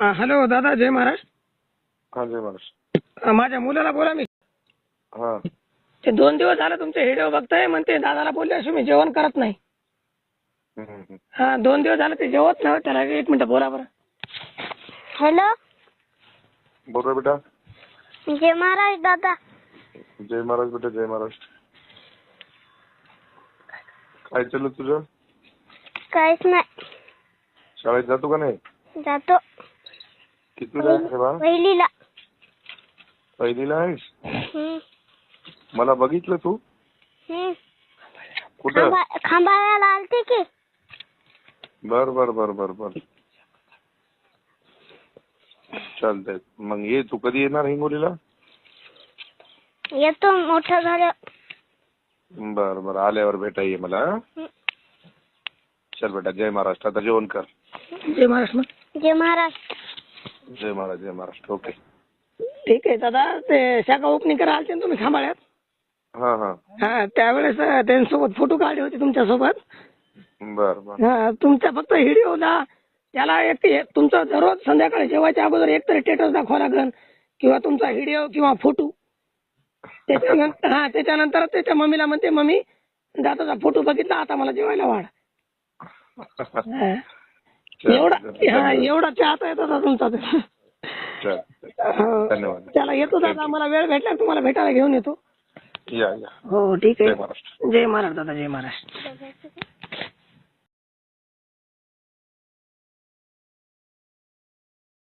Hello दादा, जय महाराज. हा जय महाराज. माझ्या मुलाला बोला. मी हा ते 2 दिवस झाले तुमचे व्हिडिओ बघताय, म्हणते दादाला बोलले असे मी जेवण करत नाही. हा 2 दिवस झाले ते जेवत नाही. त्याला 1 मिनिट बोला बरं. हॅलो, बोल रे बेटा. जय महाराज दादा. जय महाराज बेटा, जय महाराज. काय चाललं तुझं? काहीच नाही. शाळेत जातो का नाही? जातो. किती जायचं बा? पहिलीला. पहिलीला आहेस? हम्म. मला बघितलं तू हम्म. कुठं? खांबाळ्याला आलते की. बर बर बर बर बर चालतंय. मग ये, तू कधी येणार हिंगोलीला? येतो मोठं झालं. बर बर आल्यावर भेटा ये मला. चल बेटा, जय महाराष्ट्र. आता जेवण कर. जय महाराज. मग जय महाराज. जय महाराज, जय महाराष्ट्र. ओके, ठीक आहे दादा. ते शाखा ओपनिंग करायला आलते ना तुम्ही खांबाळ्यात? हा हा हा त्यावेळेस त्यांच्यासोबत फोटो काढले होते तुमच्यासोबत. बर बर हा तुमचा फक्त व्हिडिओला त्याला तुमचं दररोज संध्याकाळी जेवायच्या अगोदर एकतरी स्टेटस दाखवा लागेल, किंवा तुमचा व्हिडिओ किंवा फोटो. त्याच्यानंतर त्याच्या मम्मीला म्हणते, मम्मी दादाचा फोटो बघितला, आता मला जेवायला वाढ. एवढा चाहता येत होता तुमचा. धन्यवाद. त्याला येतो दादा, मला वेळ भेटला तुम्हाला भेटायला घेऊन येतो. या. हो ठीक आहे. जय महाराष्ट्र. जय महाराज दादा, जय महाराज.